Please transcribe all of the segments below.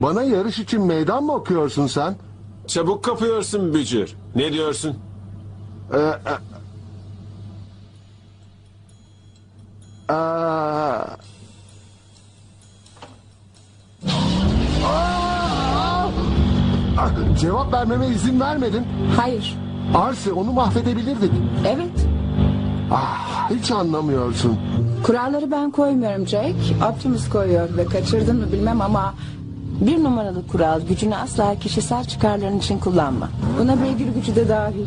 Bana yarış için meydan mı okuyorsun sen? Çabuk kapıyorsun Bücür. Ne diyorsun? Ee, e- Aa. Cevap vermeme izin vermedin. Hayır. Arsi, onu mahvedebilirdik. Evet. Hiç anlamıyorsun. Kuralları ben koymuyorum Jack. Optimus koyuyor ve kaçırdın mı bilmem ama... Bir numaralı kural, gücünü asla kişisel çıkarların için kullanma. Buna beygir gücü de dahil.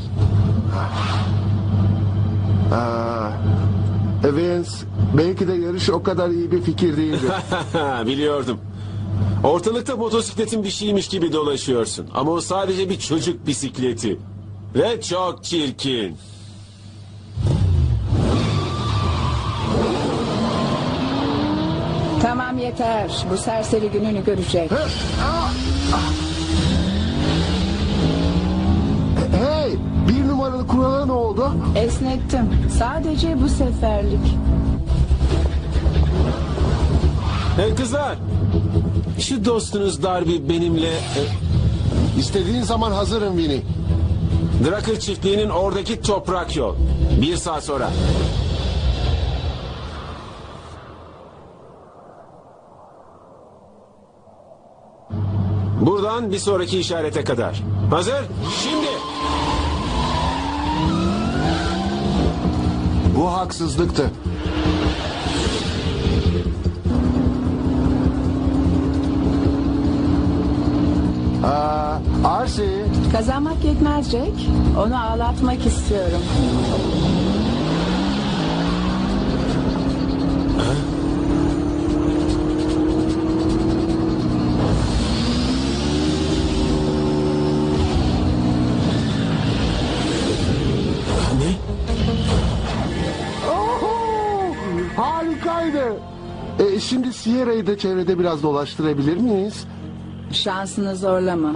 Vince, belki de yarış o kadar iyi bir fikir değildi. Biliyordum. Ortalıkta motosikletin bir şeymiş gibi dolaşıyorsun. Ama o sadece bir çocuk bisikleti. Ve çok çirkin. Tamam yeter. Bu serseri gününü görecek. Hey, bir numaralı kurala ne oldu? Esnettim. Sadece bu seferlik. Hey kızlar. Şu dostunuz Darby benimle... İstediğin zaman hazırım Vinny. Drakır çiftliğinin oradaki toprak yol. 1 saat sonra. Buradan bir sonraki işarete kadar. Hazır? Şimdi. Bu haksızlıktı. Arsi, Kazanmak yetmez Jack. Onu ağlatmak istiyorum. Ne? harikaydı. Şimdi Sierra'yı da çevrede biraz dolaştırabilir miyiz? Şansını zorlama.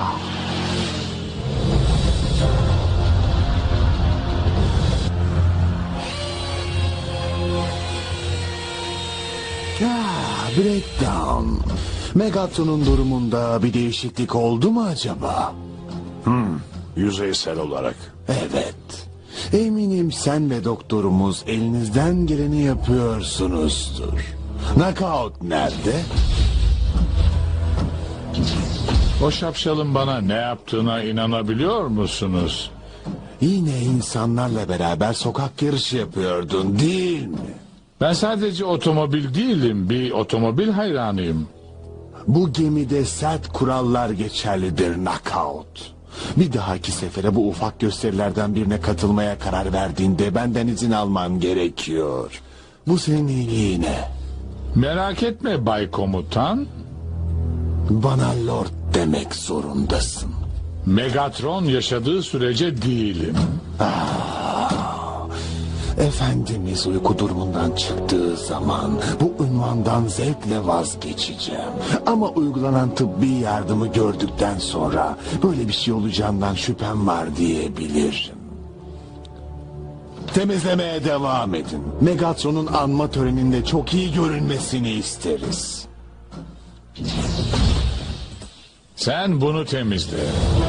Breakdown. Megatron'un durumunda bir değişiklik oldu mu acaba? Yüzeysel olarak. Evet. Eminim sen ve doktorumuz elinizden geleni yapıyorsunuzdur. Knockout nerede? O şapşalın bana ne yaptığına inanabiliyor musunuz? Yine insanlarla beraber sokak yarışı yapıyordun değil mi? Ben sadece otomobil değilim, bir otomobil hayranıyım. Bu gemide sert kurallar geçerlidir Knockout. Bir dahaki sefere bu ufak gösterilerden birine katılmaya karar verdiğinde benden izin alman gerekiyor. Bu senin iyiliğine. Merak etme Bay Komutan. Bana Lord demek zorundasın. Megatron yaşadığı sürece değilim. Efendimiz uyku durumundan çıktığı zaman bu unvandan zevkle vazgeçeceğim. Ama uygulanan tıbbi yardımı gördükten sonra böyle bir şey olacağından şüphem var diyebilirim. Temizlemeye devam edin. Megatron'un anma töreninde çok iyi görünmesini isteriz. Sen bunu temizle.